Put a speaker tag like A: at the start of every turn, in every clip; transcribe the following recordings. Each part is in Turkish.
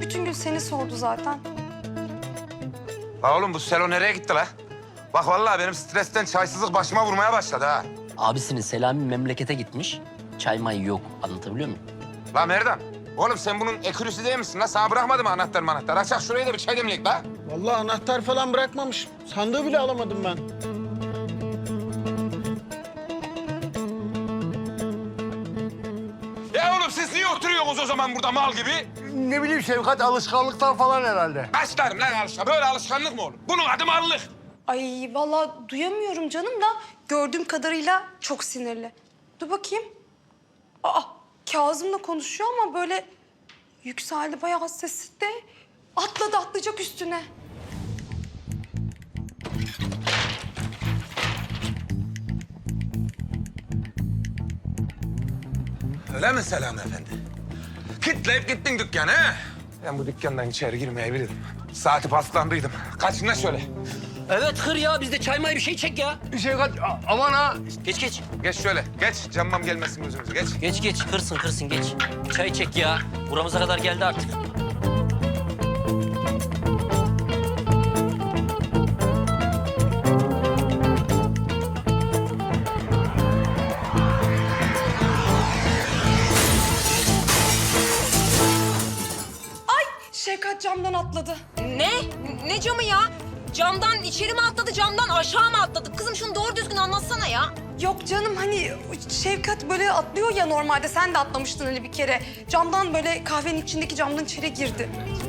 A: Bütün gün seni sordu zaten.
B: La oğlum bu Selo nereye gitti la? Bak vallahi benim stresten çaysızlık başıma vurmaya başladı ha.
C: Abisinin Selami memlekete gitmiş. Çay may yok. Anlatabiliyor muyum?
B: La Merdan, oğlum sen bunun ekürüsü değil misin la? Sana bırakmadı mı anahtar? Açak şurayı da bir çay demleyek la.
D: Vallahi anahtar falan bırakmamış. Sandığı bile alamadım ben.
B: Ya oğlum siz niye oturuyorsunuz o zaman burada mal gibi?
D: Ne bileyim Şevkat, alışkanlıktan falan herhalde.
B: Başlarım lan alışkan. Böyle alışkanlık mı olur? Bunun adı mallık.
A: Ay vallahi duyamıyorum canım da gördüğüm kadarıyla çok sinirli. Dur bakayım. Aa, Kazım'la konuşuyor ama böyle yükseldi bayağı sesi de. Atlayacak üstüne.
B: Öyle mi Selami Efendi? Kitleyip gittin dükkanı he? Ben bu dükkandan içeri girmeyebilirdim. Saati paslandıydım. Kaçına şöyle.
C: Evet hır ya. Biz de çay may bir şey çek ya.
D: Şevkat, aman ha.
C: Geç.
B: Geç şöyle. Geç. Cammam gelmesin gözümüze. Geç.
C: Geç. Hırsın geç. Çay çek ya. Buramıza kadar geldi artık.
A: Ay Şevkat camdan atladı.
E: Ne? Ne camı ya? Camdan içeri mi atladı, camdan aşağı mı atladı? Kızım şunu doğru düzgün anlatsana ya.
A: Yok canım hani Şevkat böyle atlıyor ya normalde. Sen de atlamıştın hani bir kere. Camdan böyle kahvenin içindeki camdan içeri girdi.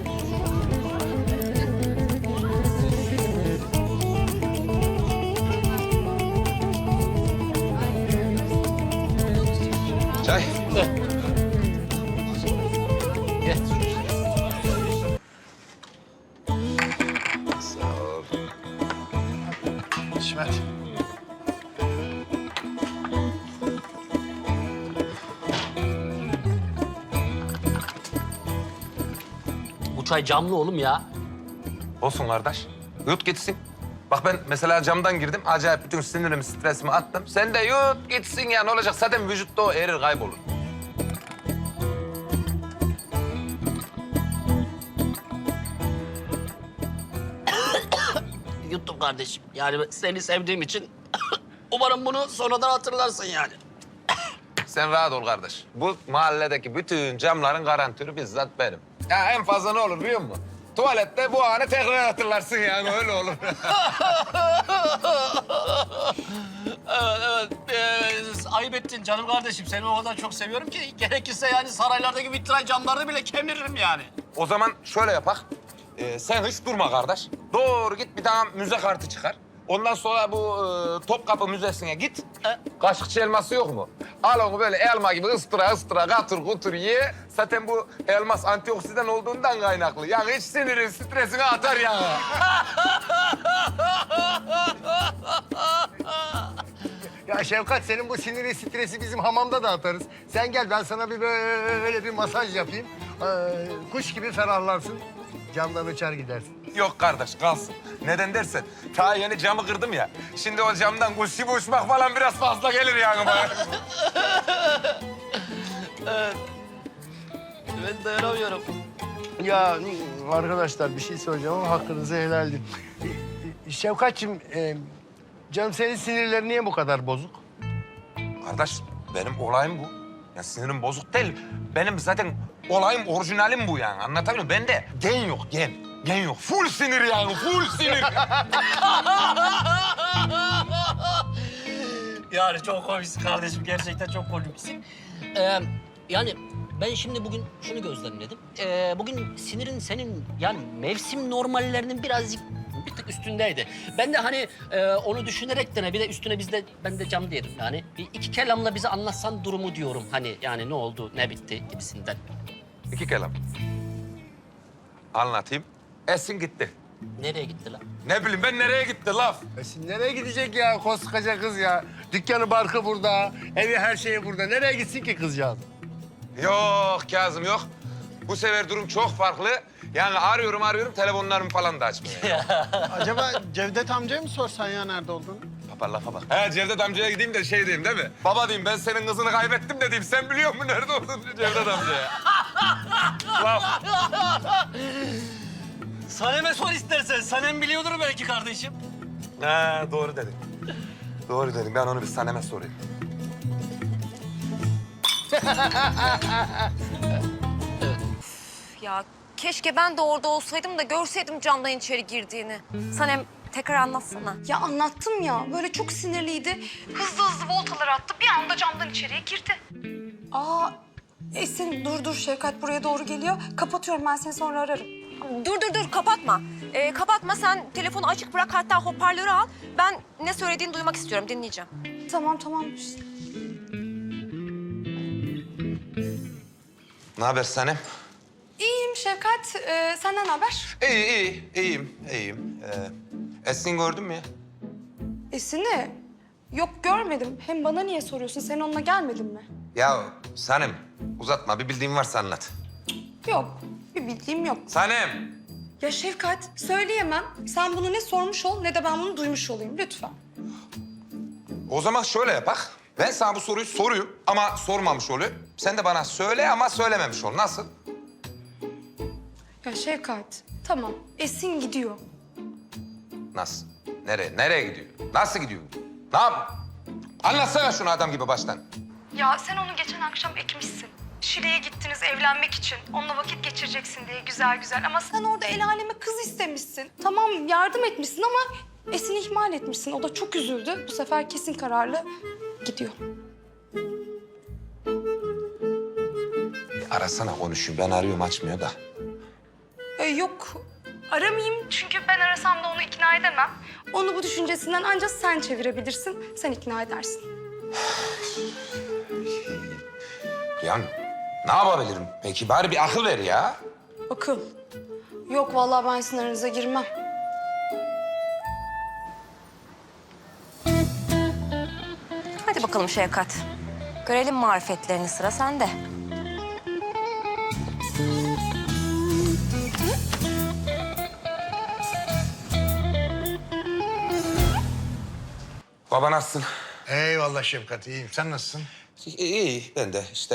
B: Çay.
C: Gel.
B: Sağ ol.
D: İsmet.
C: Bu çay camlı oğlum ya.
B: Olsun kardeş. Yut gitsin. Bak ben mesela camdan girdim. Acayip bütün sinirimi, stresimi attım. Sen de yut gitsin ya. Ne olacak? Zaten vücutta o erir, kaybolur.
C: Yuttum kardeşim. Yani seni sevdiğim için umarım bunu sonradan hatırlarsın yani.
B: Sen rahat ol kardeş. Bu mahalledeki bütün camların garantörü bizzat benim. Ya en fazla ne olur biliyor musun? Tuvalette bu anı tekrar hatırlarsın yani öyle olur.
C: Evet. Ayıp ettin canım kardeşim. Seni o kadar çok seviyorum ki gerekirse yani saraylardaki vitray camlarını bile kemiririm yani.
B: O zaman şöyle yapak. Sen hiç durma kardeş. Doğru git bir tane müze kartı çıkar. Ondan sonra bu Topkapı Müzesi'ne git. Kaşıkçı elması yok mu? Al onu böyle elma gibi ıstıra katır kutur ye. Zaten bu elmas antioksidan olduğundan kaynaklı. Yani hiç sinirin stresini atar yani.
D: Ya Şevkat, senin bu siniri, stresi bizim hamamda da atarız. Sen gel, ben sana bir böyle bir masaj yapayım. Kuş gibi ferahlarsın. Camdan uçar gidersin.
B: Yok kardeş kalsın. Neden dersen ta yeni camı kırdım ya. Şimdi o camdan kuş gibi uçmak falan biraz fazla gelir yani bana.
C: Ben dayanamıyorum.
D: Ya arkadaşlar, bir şey söyleyeceğim ama hakkınızı helal edin. Şevkat'cığım, canım senin sinirlerin niye bu kadar bozuk?
B: Kardeş benim olayım bu. Ya sinirim bozuk değil. Benim zaten olayım, orijinalim bu yani. Anlatabiliyor muyum? Bende gen yok, gen. Gen yok. Full sinir yani, full sinir.
C: Yani çok komiksin kardeşim. Gerçekten çok komiksin. Yani ben şimdi bugün şunu gözlemledim. Bugün sinirin senin yani mevsim normallerinin birazcık bir tık üstündeydi. Ben de hani onu düşünerek de bir de üstüne ben de cam diyelim yani. Bir iki kelamla bize anlatsan durumu diyorum. Hani yani ne oldu, ne bitti gibisinden.
B: İki kelam. Anlatayım. Esin gitti.
C: Nereye gitti lan?
B: Ne bileyim ben nereye gitti laf?
D: Esin nereye gidecek ya koskoca kız ya? Dükkanı barkı burada, evi her şeyi burada. Nereye gitsin ki kızcağız?
B: Yok Kazım yok. Bu sefer durum çok farklı. Yani arıyorum telefonlarımı falan da açmıyor.
D: Acaba Cevdet amcaya mı sorsan ya nerede olduğunu?
B: Baba lafa bak. He Cevdet amcaya gideyim de şey diyeyim değil mi? Baba diyeyim ben senin kızını kaybettim de diyeyim. Sen biliyor musun nerede olduğunu Cevdet amcaya? Laf.
C: Sanem'e sor istersen. Sanem biliyordur belki kardeşim.
B: Ha, doğru dedin. Doğru dedin. Ben onu bir Sanem'e sorayım.
E: Ya keşke ben de orada olsaydım da görseydim camdan içeri girdiğini. Sanem tekrar anlatsana.
A: Ya anlattım ya, böyle çok sinirliydi. Hızlı hızlı voltalar attı, bir anda camdan içeriye girdi. Aa, Esin dur Şevkat buraya doğru geliyor. Kapatıyorum, ben seni sonra ararım.
E: Dur kapatma. Kapatma, sen telefonu açık bırak, hatta hoparlörü al. Ben ne söylediğini duymak istiyorum, dinleyeceğim.
A: Tamam.
B: Ne haber Sanem?
A: İyiyim Şevkat, senden ne haber?
B: İyiyim. Esin gördün mü ya?
A: Esin'i? Yok görmedim. Hem bana niye soruyorsun? Sen onunla gelmedin mi?
B: Ya Sanem, uzatma. Bir bildiğin varsa anlat.
A: Yok, bir bildiğim yok.
B: Sanem!
A: Ya Şevkat, söyleyemem. Sen bunu ne sormuş ol ne de ben bunu duymuş olayım lütfen.
B: O zaman şöyle yapak. Ben sana bu soruyu soruyum ama sormamış olayım. Sen de bana söyle ama söylememiş ol. Nasıl?
A: Ya Şevkat, tamam. Esin gidiyor.
B: Nasıl? Nereye gidiyor? Nasıl gidiyor? Ne yap? Anlatsana şunu adam gibi baştan.
A: Ya sen onu geçen akşam ekmişsin. Şile'ye gittiniz evlenmek için. Onunla vakit geçireceksin diye güzel. Ama sen orada el aleme kız istemişsin. Tamam yardım etmişsin ama Esin'i ihmal etmişsin. O da çok üzüldü. Bu sefer kesin kararlı gidiyor.
B: Arasana konuşuyor. Ben arıyorum açmıyor da.
A: Yok aramayayım çünkü ben arasam da onu ikna edemem. Onu bu düşüncesinden ancak sen çevirebilirsin. Sen ikna edersin.
B: Ya ne yapabilirim? Peki bari bir akıl ver ya.
A: Akıl. Yok vallahi ben sizin aranıza girmem.
E: Hadi bakalım Şevkat. Görelim marifetlerini, sıra sende.
B: Baba nasılsın?
D: Eyvallah Şefkat, iyiyim. Sen nasılsın?
B: İyi ben de işte.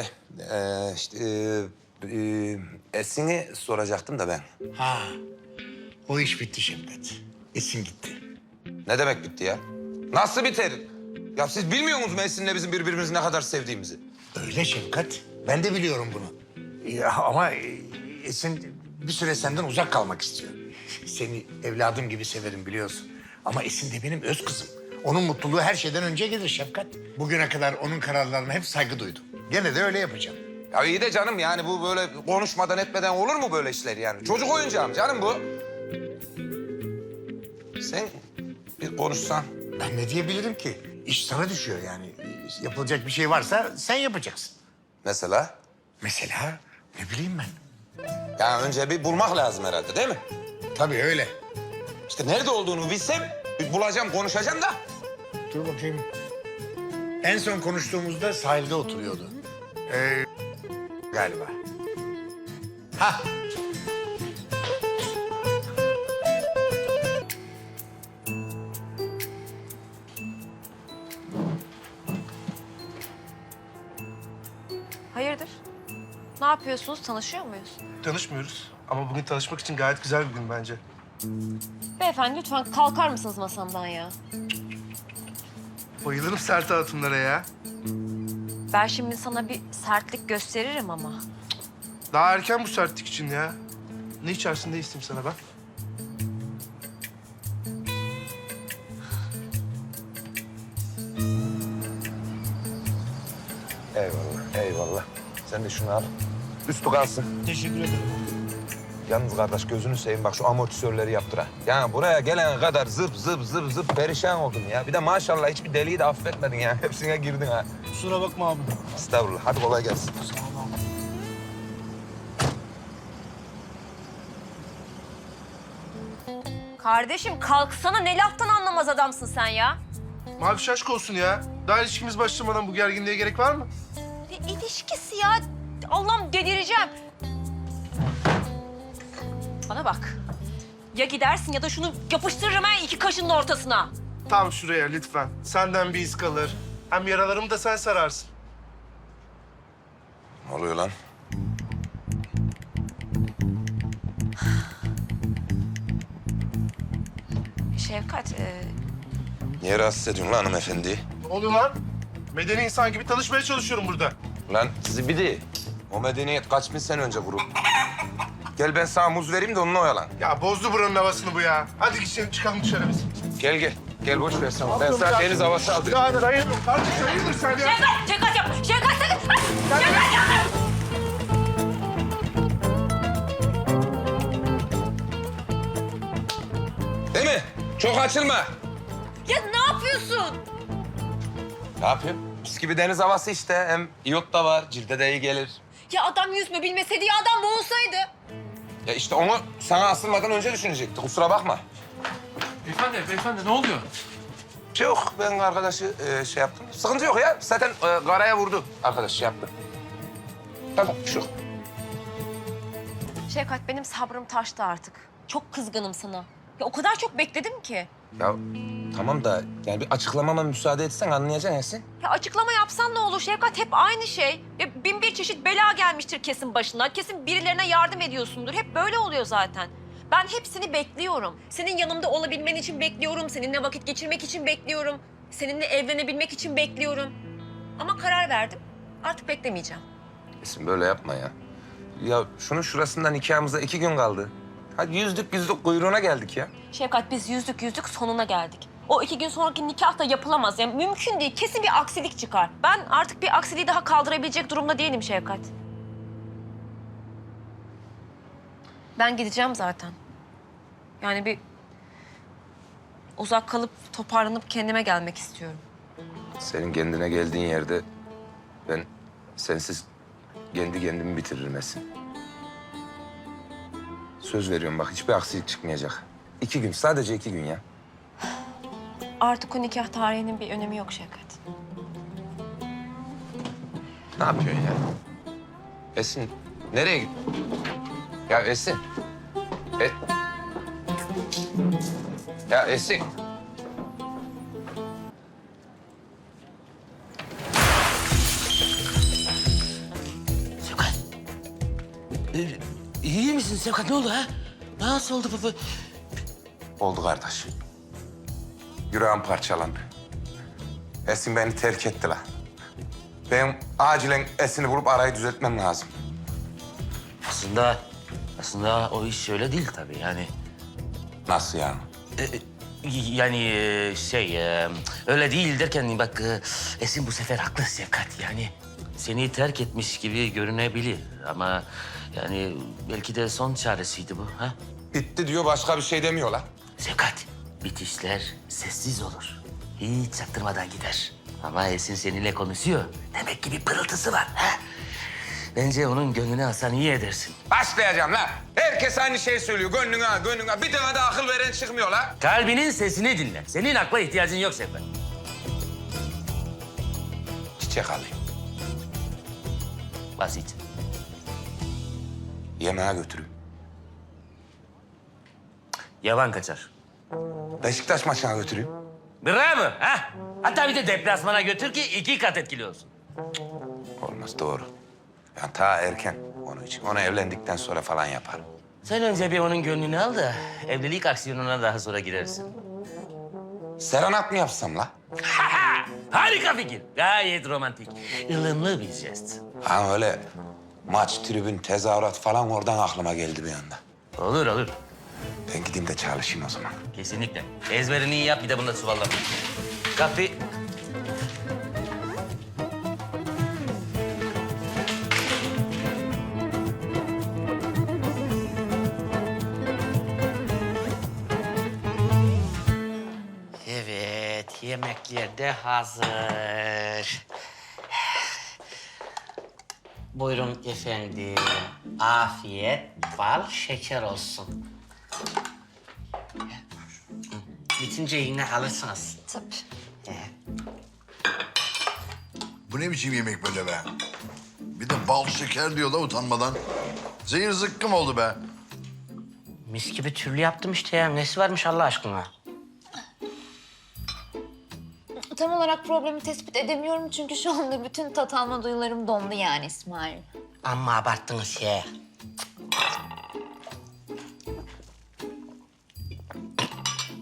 B: Esin'i soracaktım da ben.
D: Ha, o iş bitti Şefkat. Esin gitti.
B: Ne demek bitti ya? Nasıl biter? Ya siz bilmiyor musunuz Esin'le bizim birbirimizi ne kadar sevdiğimizi?
D: Öyle Şefkat. Ben de biliyorum bunu. Ya, ama Esin bir süre senden uzak kalmak istiyor. Seni evladım gibi severim biliyorsun. Ama Esin de benim öz kızım. Onun mutluluğu her şeyden önce gelir Şefkat. Bugüne kadar onun kararlarına hep saygı duydum. Gene de öyle yapacağım.
B: Ya iyi de canım yani bu böyle konuşmadan etmeden olur mu böyle işler yani? Çocuk oyuncağı mı canım bu? Sen bir konuşsan.
D: Ben ne diyebilirim ki? İş sana düşüyor yani. Yapılacak bir şey varsa sen yapacaksın.
B: Mesela?
D: Mesela ne bileyim ben.
B: Ya önce bir bulmak lazım herhalde değil mi?
D: Tabii öyle.
B: İşte nerede olduğunu bilsem bir bulacağım, konuşacağım da.
D: Dur bakayım. En son konuştuğumuzda sahilde oturuyordu. Galiba. Ha.
E: Hayırdır? Ne yapıyorsunuz? Tanışıyor muyuz?
F: Tanışmıyoruz ama bugün tanışmak için gayet güzel bir gün bence.
E: Beyefendi lütfen kalkar mısınız masamdan ya?
F: Bayılırım sert hatunlara ya.
E: Ben şimdi sana bir sertlik gösteririm ama.
F: Daha erken bu sertlik için ya. Ne içersin ne isteyeyim sana ben?
B: Eyvallah. Sen de şunu al. Üstü kalsın.
D: Teşekkür ederim.
B: Yalnız kardeş gözünü seveyim bak şu amortisörleri yaptır ha. Yani buraya gelene kadar zıp perişan oldun ya. Bir de maşallah hiçbir deliği de affetmedin ya. Hepsine girdin ha.
D: Kusura bakma abi.
B: Estağfurullah. Hadi kolay gelsin.
E: Kardeşim kalksana, ne laftan anlamaz adamsın sen ya.
F: Mavi aşk olsun ya. Daha ilişkimiz başlamadan bu gerginliğe gerek var mı?
E: Ne ilişkisi ya? Allah'ım delireceğim. Bana bak. Ya gidersin ya da şunu yapıştırırım ha iki kaşının ortasına.
F: Tam şuraya lütfen. Senden bir iz kalır. Hem yaralarımı da sen sararsın.
B: Ne oluyor lan?
E: Şefkat,
B: Niye rahatsız ediyorsun lan hanımefendi?
F: Ne oluyor lan? Medeni insan gibi tanışmaya çalışıyorum burada.
B: Lan zibidi. O medeniyet kaç bin sene önce kuruldu. Gel ben sana muz vereyim de onunla oyalan.
F: Ya bozdu buranın havasını bu ya. Hadi gidelim çıkalım dışarı biz.
B: Gel gel. Gel boş ver sen. Ben sana deniz havası aldırayım.
F: Ya dayanıyorum kardeş hayırdır sen ya?
E: Şefkat yap. Şefkat sakın. Şefkat yapma.
B: Değil mi? Çok açılma.
E: Ya ne yapıyorsun?
B: Ne yapayım? Mis gibi deniz havası işte. Hem iyot da var. Cilde de iyi gelir.
E: Ya adam yüzme bilmeseydi ya adam boğulsaydı.
B: Ya işte onu sana asılmadan önce düşünecekti. Kusura bakma.
G: Beyefendi ne oluyor?
B: Yok ben arkadaşı şey yaptım. Sıkıntı yok ya. Zaten karaya vurdu. Arkadaş şey yaptı. Tamam şu.
E: Şefkat benim sabrım taştı artık. Çok kızgınım sana. Ya o kadar çok bekledim ki.
B: Ya tamam da yani bir açıklamama müsaade etsen anlayacaksın Esin.
E: Ya açıklama yapsan ne olur Şefkat? Hep aynı şey. Ya bin bir çeşit bela gelmiştir kesin başına. Kesin birilerine yardım ediyorsundur. Hep böyle oluyor zaten. Ben hepsini bekliyorum. Senin yanımda olabilmen için bekliyorum. Seninle vakit geçirmek için bekliyorum. Seninle evlenebilmek için bekliyorum. Ama karar verdim. Artık beklemeyeceğim.
B: Esin böyle yapma ya. Ya şunun şurasından nikahımıza 2 gün kaldı. Hadi yüzdük kuyruğuna geldik ya.
E: Şefkat biz yüzdük sonuna geldik. O 2 gün sonraki nikah da yapılamaz. Yani mümkün değil. Kesin bir aksilik çıkar. Ben artık bir aksiliği daha kaldırabilecek durumda değilim Şefkat. Ben gideceğim zaten. Yani bir uzak kalıp toparlanıp kendime gelmek istiyorum.
B: Senin kendine geldiğin yerde ben sensiz kendi kendimi bitiririm Esin. Söz veriyorum bak hiçbir aksilik çıkmayacak. 2 gün sadece 2 gün ya.
E: Artık o nikah tarihinin bir önemi yok Şefkat.
B: Ne yapıyorsun ya? Esin nereye git? Ya Esin. Ya Esin.
C: Sevkat. İyi misin Sevkat? Ne oldu ha? Nasıl oldu baba?
B: Oldu kardeş. Yüreğim parçalandı. Esin beni terk etti la. Benim acilen Esin'i bulup arayı düzeltmem lazım.
G: Aslında o iş öyle değil tabii yani.
B: Nasıl yani?
G: Öyle değil derken bak Esin bu sefer haklı Sevkat yani. Seni terk etmiş gibi görünebilir ama yani belki de son çaresiydi bu ha?
B: Bitti diyor başka bir şey demiyor la.
G: Sevkat, bitişler sessiz olur. Hiç çaktırmadan gider. Ama Esin seninle konuşuyor. Demek ki bir pırıltısı var ha? Bence onun gönlünü alsan iyi edersin.
B: Başlayacağım la. Herkes aynı şeyi söylüyor. Gönlüne. Bir tane de akıl veren çıkmıyor la.
G: Kalbinin sesini dinle. Senin akla ihtiyacın yok Sevkat.
B: Çiçek alayım.
G: Basit.
B: Yemeğe götüreyim.
G: Yavan kaçar.
B: Beşiktaş maçına götüreyim.
G: Bravo. Ha? Hatta bir de deplasmana götür ki 2 kat etkili olsun.
B: Olmaz doğru. Yani ta erken onun için. Onu evlendikten sonra falan yaparım.
G: Sen önce bir onun gönlünü al da evlilik aksiyonuna daha sonra girersin.
B: Serenat mı yapsam la?
G: Harika fikir. Gayet romantik. Ilımlı bir jest.
B: Ha öyle maç, tribün, tezahürat falan oradan aklıma geldi bir anda.
G: Olur olur.
B: Ben gideyim de çalışayım o zaman.
G: Kesinlikle. Ezberini iyi yap bir de bunu da çuvallama. Kahve. Evet, yemekler de hazır. Buyurun efendim. Afiyet, bal, şeker olsun. Bitince yine alırsınız.
E: Tabii.
H: Bu ne biçim yemek böyle be? Bir de bal şeker diyor da utanmadan. Zehir zıkkım oldu be.
G: Mis gibi türlü yaptım işte ya. Nesi varmış Allah aşkına?
I: Tam olarak problemi tespit edemiyorum çünkü şu anda bütün tat alma duyularım dondu yani İsmail.
G: Amma abarttınız ya.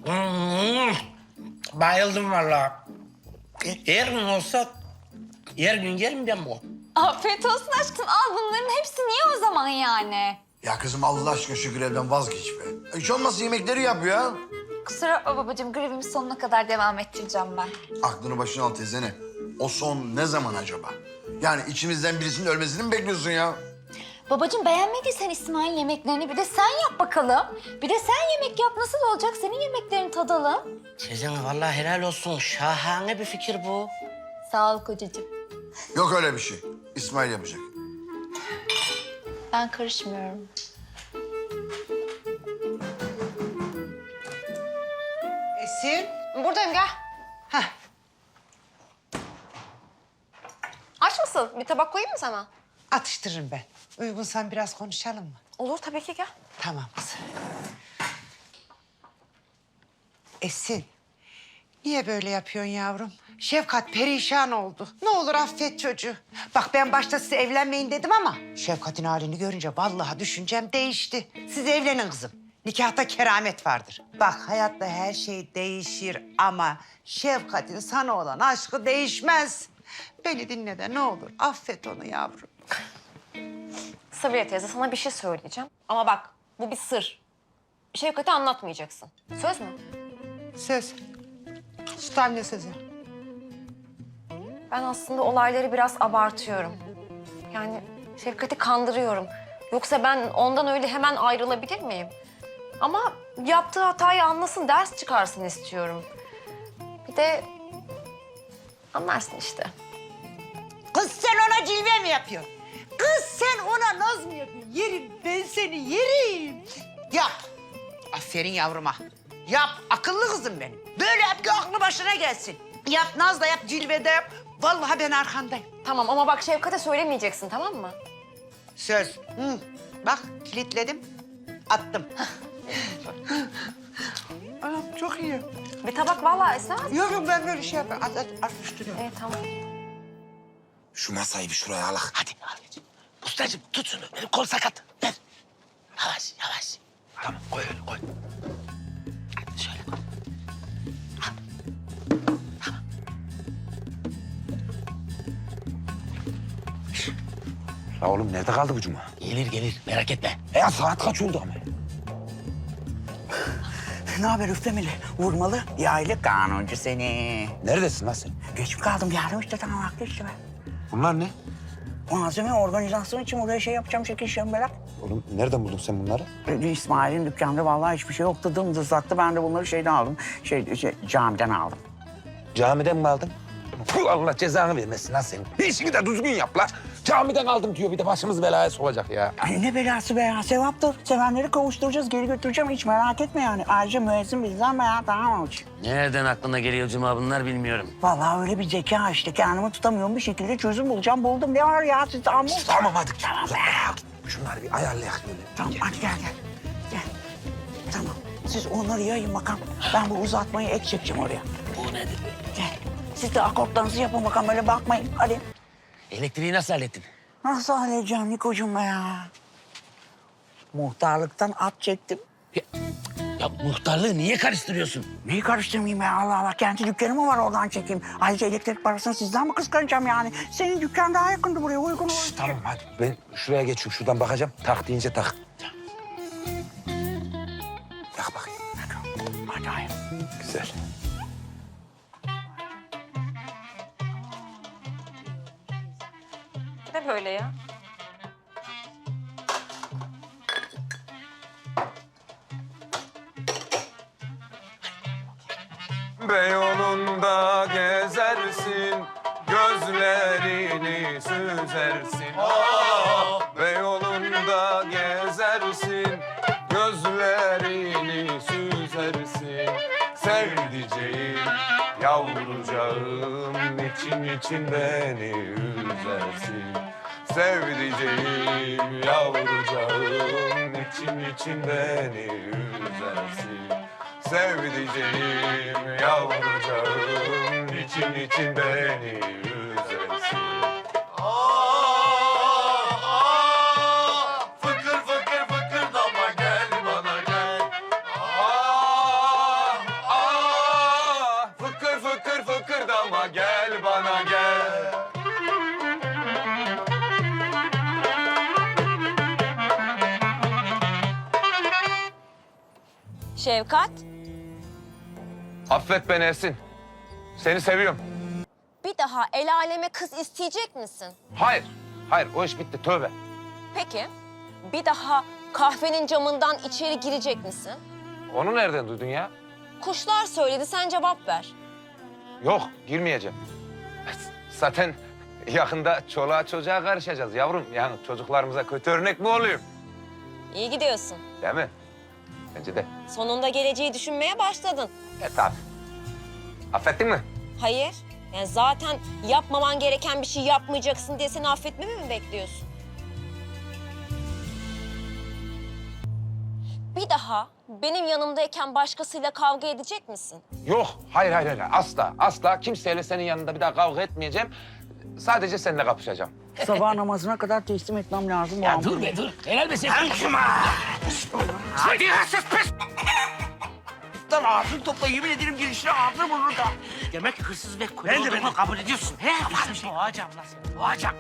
D: Bayıldım vallahi. Her gün olsa her gün yerim ben bu.
I: Afiyet olsun aşkım. Al bunların hepsini ye o zaman yani.
H: Ya kızım Allah aşkına şu grevden vazgeç be. Hiç olmazsa yemekleri yap ya.
I: Kusura bakma babacığım. Grevimi sonuna kadar devam ettireceğim ben.
H: Aklını başına al teyzene. O son ne zaman acaba? Yani içimizden birisinin ölmesini mi bekliyorsun ya?
I: Babacığım beğenmediysen İsmail yemeklerini bir de sen yap bakalım. Bir de sen yemek yap. Nasıl olacak? Senin yemeklerini tadalım.
C: Sezen vallahi helal olsun. Şahane bir fikir bu.
I: Sağ ol kocacığım.
H: Yok öyle bir şey. İsmail yapacak.
I: Ben karışmıyorum.
J: Esin.
E: Buradayım gel.
J: Heh.
E: Aç mısın? Bir tabak koyayım mı sana?
J: Atıştırırım ben. Uygunsan biraz konuşalım mı?
E: Olur tabii ki gel.
J: Tamam kızım. Esin. Niye böyle yapıyorsun yavrum? Şefkat perişan oldu. Ne olur affet çocuğu. Bak ben başta size evlenmeyin dedim ama... Şefkat'in halini görünce vallahi düşüncem değişti. Siz evlenin kızım. Nikahta keramet vardır. Bak hayatta her şey değişir ama... Şefkat'in sana olan aşkı değişmez. Beni dinle de ne olur affet onu yavrum.
E: Sabiha teyze sana bir şey söyleyeceğim. Ama bak bu bir sır. Şevkat'e anlatmayacaksın. Söz mü?
J: Söz. Süt anne sözü.
E: Ben aslında olayları biraz abartıyorum. Yani Şevkat'i kandırıyorum. Yoksa ben ondan öyle hemen ayrılabilir miyim? Ama yaptığı hatayı anlasın, ders çıkarsın istiyorum. Bir de anlarsın işte.
J: Kız sen ona cilve mi yapıyorsun? Kız sen ona naz mı yapıyorsun? Yerim ben seni yerim. Yap. Aferin yavruma. Yap akıllı kızım benim. Böyle yap ki aklı başına gelsin. Yap naz da yap cilve de yap. Vallahi ben arkandayım.
E: Tamam ama bak Şevkat'e söylemeyeceksin tamam mı?
J: Söz. Hı. Bak kilitledim. Attım. Anam çok iyi.
E: Bir tabak vallahi esnemez.
J: Yok yok ben böyle şey yapayım. At üstüne.
E: Tamam.
B: Şu masayı bir şuraya alak.
D: Hadi abi. Ustacığım tut şunu. Benim kol sakat. Ver. Yavaş yavaş. Tamam koy öyle koy. Hadi şöyle koy.
B: La oğlum nerede kaldı bu cuma?
C: Gelir gelir merak etme.
B: Ya saat kaç oldu ama?
J: Ne haber üflemeli? Vurmalı. Yaylı kanuncu seni.
B: Neredesin lan sen?
J: Geç mi kaldım? Yardım işte tamam haklı işte ben.
B: Bunlar ne?
J: Malzeme organizasyon için oraya şey yapacağım, şekil şembelak.
B: Oğlum nereden buldun sen bunları?
J: İsmail'in dükkanda vallahi hiçbir şey yoktu. Dımdızlaktı. Ben de bunları şeyden aldım. Camiden aldım.
B: Camiden mi aldın? Puh, Allah cezanı vermesin lan senin. İşini de düzgün yap la. Camiden aldım diyor bir de başımız belaya sokacak ya.
J: Ay ne belası be ya. Sevaptır. Sevenleri kavuşturacağız. Geri götüreceğim. Hiç merak etme yani. Ayrıca müezzin bizden be ya. Tamam mı?
C: Nereden aklına geliyor Cuma bunlar bilmiyorum.
J: Vallahi öyle bir zeka işte. Kendimi tutamıyorum. Bir şekilde çözüm bulacağım. Buldum. Ne var ya? Siz tamam.
B: Tamam hadi. Tamam be. Şunları bir ayarlayak böyle.
J: Tamam hadi gel. Gel. Tamam. Siz onları yayın bakalım. Ben bu uzatmayı ek çekeceğim oraya.
C: Bu nedir?
J: Gel. Siz de akortlarınızı yapın bakalım. Öyle bakmayın. Hadi.
C: Elektriği nasıl hallettin?
J: Nasıl halledeceğim Nikocuğum ya? Muhtarlıktan at çektim.
C: Ya muhtarlığı niye karıştırıyorsun?
J: Neyi karıştırmayayım ya Allah Allah. Kendi dükkanı mı var oradan çekeyim? Ayrıca elektrik parasını sizden mi kıskanacağım yani? Senin dükkan daha yakındı buraya uygun olur.
B: Tamam hadi. Ben şuraya geçiyorum. Şuradan bakacağım. Tak deyince tak. Tak bakayım.
J: Hadi hayır.
B: Güzel.
E: Ne böyle ya?
B: Beyoğlu'nda gezersin, gözlerini süzersin. Beyoğlu'nda gezersin, gözlerini süzersin. Sevdiceğim, yavrucağım, için beni üzersin. Sevdiceğim, yavrucağım, için beni üzersin. Sevdiceğim, yavrucağım, için beni üzersin. Fıkır fıkır fıkırdama gel bana gel.
E: Şevkat,
B: Affet beni Esin. Seni seviyorum.
E: bir daha el aleme kız isteyecek misin?
B: Hayır. Hayır o iş bitti tövbe.
E: Peki, bir daha kahvenin camından içeri girecek misin?
B: Onu nereden duydun ya?
E: Kuşlar söyledi, sen cevap ver.
B: Yok girmeyeceğim. Zaten yakında çoluğa çocuğa karışacağız yavrum. Yani çocuklarımıza kötü örnek mi olayım?
E: İyi gidiyorsun.
B: Değil mi? Bence de.
E: Sonunda geleceği düşünmeye başladın.
B: Tabii. Affettin mi?
E: Hayır, yani zaten yapmaman gereken bir şey yapmayacaksın diye seni affetmemi mi bekliyorsun? Bir daha benim yanımdayken başkasıyla kavga edecek misin?
B: Yok. Hayır. Asla. Asla kimseyle senin yanında bir daha kavga etmeyeceğim. Sadece seninle kapışacağım.
K: Sabah namazına kadar teslim etmem lazım.
C: Ya dur be dur. Helal be sen.
D: Hadi hırsız pis!
K: Lan ağzını topla, yemin ederim girişine ağzını vurur da. Demek hırsız ve köle olduğumu kabul ediyorsun. He? Boğacağım lan seni, boğacağım.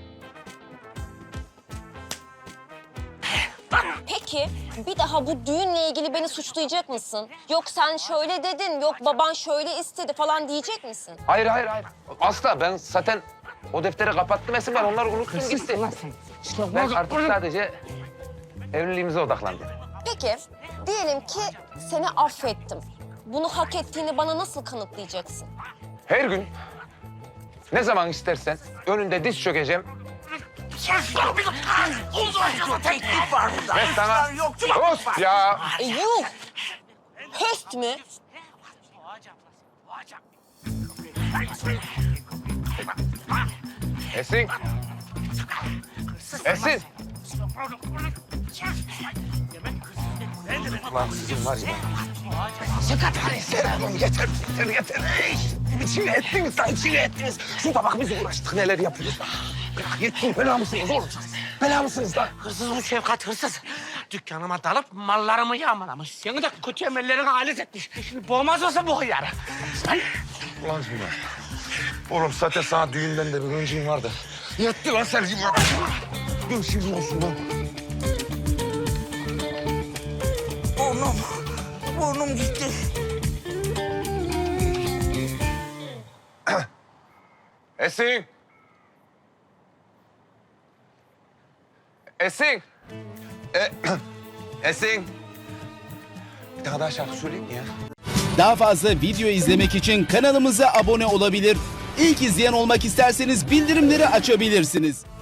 E: Peki bir daha bu düğünle ilgili beni suçlayacak mısın? Yok sen şöyle dedin, yok baban şöyle istedi falan diyecek misin?
B: Hayır. Asla. Ben zaten o defteri kapattım Esin. Ben onları unuttum gitti. Ben artık sadece evliliğimize odaklandım.
E: Peki diyelim ki seni affettim. Bunu hak ettiğini bana nasıl kanıtlayacaksın?
B: Her gün ne zaman istersen önünde diz çökeceğim.
K: Teklif var burada.
B: Ben sana... Dost ya!
E: Yuh! Höst mü?
B: Esin! Esin! Ulan sizin var ya. Yeter. İçine ettiniz lan, içine ettiniz. Şurada bak biz uğraştık, neler yapıyoruz. Yetkin bela mısınız oğlum? Bela mısınız lan?
K: Hırsız bu Şevkat, hırsız. Dükkanıma dalıp mallarımı yağmalamış. Seni de kötü emellerine alet etmiş. Şimdi boğmaz olsa boğar.
B: Ulan Züleyha. Oğlum zaten sana düğünden de bir öncüğün vardı. Yetti lan sen gibi. Görüşürüz olsun lan.
K: Burnum gitti.
B: Esin! Esin! Esin! Bir tane daha şarkı söyleyeyim mi ya?
L: Daha fazla video izlemek için kanalımıza abone olabilir. İlk izleyen olmak isterseniz bildirimleri açabilirsiniz.